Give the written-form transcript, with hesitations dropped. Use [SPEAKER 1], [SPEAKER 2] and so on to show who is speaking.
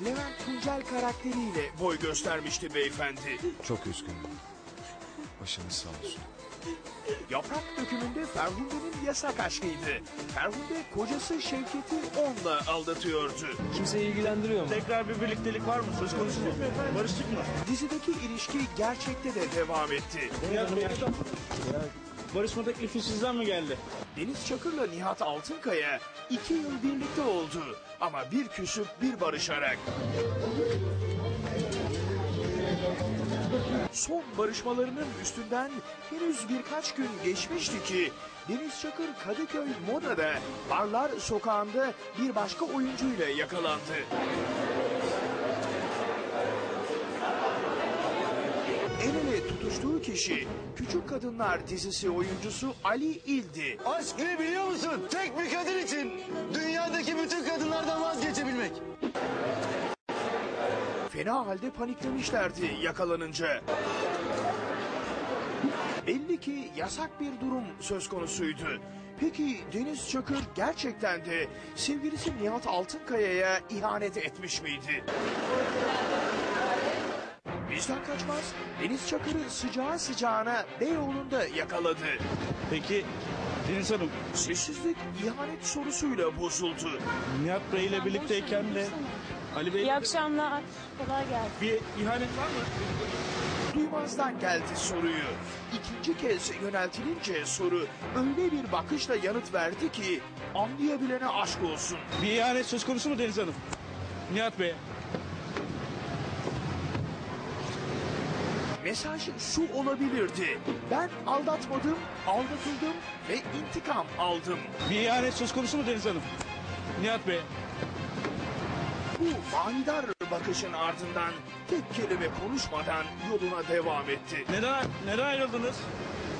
[SPEAKER 1] Levent Tuncel karakteriyle boy göstermişti beyefendi.
[SPEAKER 2] Çok üzgünüm. Başınız sağ olsun.
[SPEAKER 1] Yaprak dökümünde Ferhunde'nin yasak aşkıydı. Ferhunde kocası Şevket'i onunla aldatıyordu.
[SPEAKER 3] Kimseyi ilgilendiriyor mu?
[SPEAKER 4] Tekrar bir birliktelik var mı? Söz konusu mu? Barıştık mı?
[SPEAKER 1] Dizideki ilişki gerçekte de devam etti.
[SPEAKER 4] Barışma teklifi sizden mi geldi?
[SPEAKER 1] Deniz Çakır'la Nihat Altınkaya 2 yıl birlikte oldu. Ama bir küsüp bir barışarak. Son barışmalarının üstünden henüz birkaç gün geçmişti ki Deniz Çakır Kadıköy Moda'da Barlar Sokağı'nda bir başka oyuncuyla yakalandı. El ele tutuştuğu kişi Küçük Kadınlar dizisi oyuncusu Ali İldi.
[SPEAKER 5] Aşk ne biliyor musun? Tek bir kadın için dünyadaki bütün kadınlardan vazgeçebilmek.
[SPEAKER 1] Fena halde paniklemişlerdi yakalanınca. Belli ki yasak bir durum söz konusuydu. Peki Deniz Çakır gerçekten de sevgilisi Nihat Altınkaya'ya ihanet etmiş miydi? Bizden kaçmaz. Deniz Çakır'ı sıcağı sıcağına Beyoğlu'nda yakaladı.
[SPEAKER 4] Peki Deniz Hanım,
[SPEAKER 1] Sessizlik ihanet sorusuyla bozuldu.
[SPEAKER 4] Nihat Bey ile birlikteyken de Ali Bey
[SPEAKER 6] İyi akşamlar. Kolay gelsin.
[SPEAKER 4] bir ihanet var mı?
[SPEAKER 1] Duymazdan geldi soruyu. İkinci kez yöneltilince soru öyle bir bakışla yanıt verdi ki anlayabilene aşk olsun.
[SPEAKER 4] Bir ihanet söz konusu mu Deniz Hanım? Nihat Bey.
[SPEAKER 1] Mesaj şu olabilirdi. Ben aldatmadım, aldatıldım ve intikam aldım.
[SPEAKER 4] Bir ihanet söz konusu mu Deniz Hanım? Nihat Bey.
[SPEAKER 1] Bu manidar bakışın ardından tek kelime konuşmadan yoluna devam etti.
[SPEAKER 4] Neden ayrıldınız?